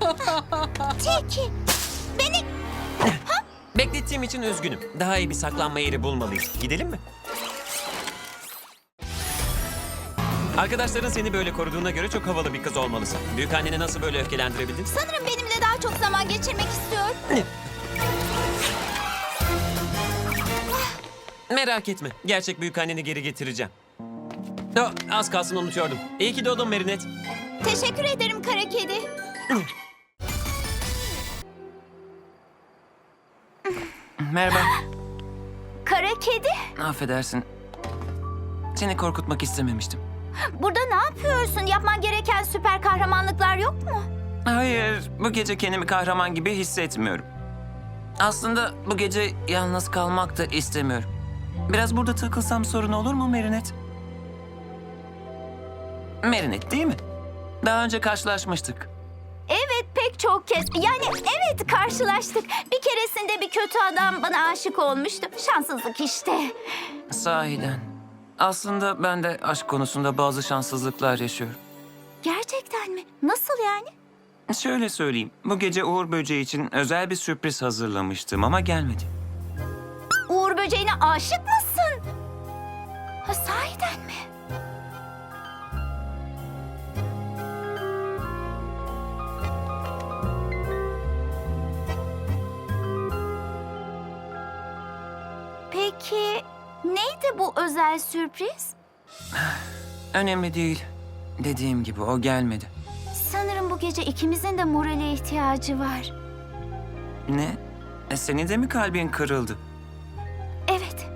Tilki, beni... Beklettiğim için üzgünüm. Daha iyi bir saklanma yeri bulmalıyız. Gidelim mi? Arkadaşların seni böyle koruduğuna göre çok havalı bir kız olmalısın. Büyükanneni nasıl böyle öfkelendirebildin? Sanırım benimle daha çok zaman geçirmek istiyor. Merak etme. Gerçek büyükanneni geri getireceğim. Oh, az kalsın unutuyordum. İyi ki doğdun Merinet. Teşekkür ederim kara kedi. Merhaba. Kara kedi, Affedersin. Seni korkutmak istememiştim. burada ne yapıyorsun? Yapman gereken süper kahramanlıklar yok mu? Hayır, bu gece kendimi kahraman gibi hissetmiyorum. Aslında bu gece yalnız kalmak da istemiyorum. Biraz burada takılsam sorun olur mu Merinet? Merinet değil mi? Daha önce karşılaşmıştık. Evet, pek çok kez. Yani evet, karşılaştık. Bir keresinde bir kötü adam bana aşık olmuştu. Şanssızlık işte. Sahiden. Aslında ben de aşk konusunda bazı şanssızlıklar yaşıyorum. Gerçekten mi? Nasıl yani? Şöyle söyleyeyim, bu gece Uğur Böceği için özel bir sürpriz hazırlamıştım ama gelmedi. Uğur böceğine aşık mısın? Ha, sahiden mi? Peki neydi bu özel sürpriz? Önemli değil. Dediğim gibi o gelmedi. Sanırım bu gece ikimizin de morale ihtiyacı var. Ne? Senin de mi kalbin kırıldı? Evet.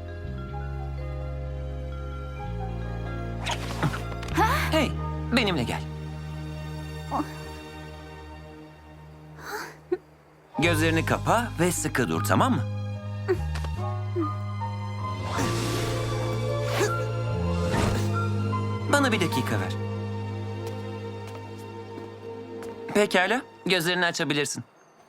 Hey, benimle gel. Gözlerini kapa ve sıkı dur, tamam mı? Bana bir dakika ver. Pekala, gözlerini açabilirsin.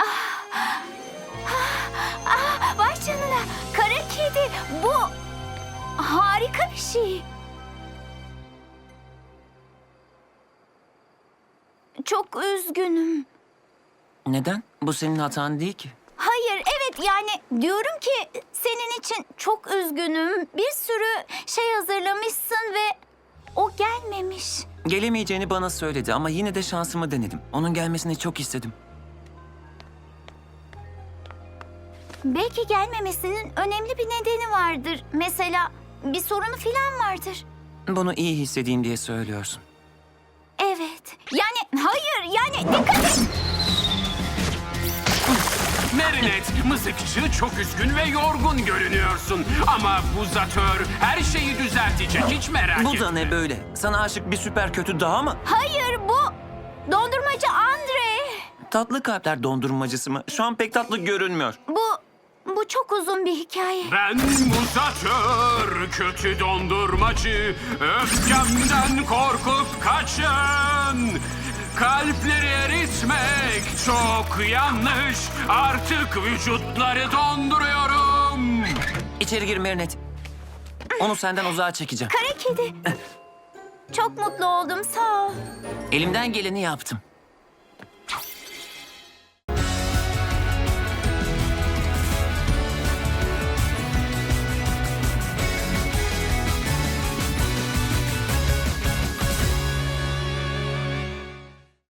Vay canına. Kara kedi. Bu harika bir şey. Çok üzgünüm. Neden? Bu senin hatan değil ki. Hayır, evet yani diyorum ki senin için çok üzgünüm. Bir sürü şey hazırlamışsın ve o gelmemiş. Gelemeyeceğini bana söyledi ama yine de şansımı denedim. Onun gelmesini çok istedim. Belki gelmemesinin önemli bir nedeni vardır. Mesela bir sorunu falan vardır. Bunu iyi hissedeyim diye söylüyorsun. Evet. Yani hayır yani dikkat et. Merinet, mızıkçı çok üzgün ve yorgun görünüyorsun. Ama buzatör her şeyi düzeltecek, hiç merak Bu etme. da ne böyle? Sana aşık bir süper kötü daha mı? Hayır bu dondurmacı Andre. Tatlı kalpler dondurmacısı mı? Şu an pek tatlı görünmüyor. Bu çok uzun bir hikaye. Ben buzatör, kötü dondurmacı. Öfkemden korkup kaçın. Kalpleri eritmek çok yanlış. Artık vücutları donduruyorum. İçeri gir Merinet. Onu senden uzağa çekeceğim. Kara kedi. Çok mutlu oldum sağ ol. Elimden geleni yaptım.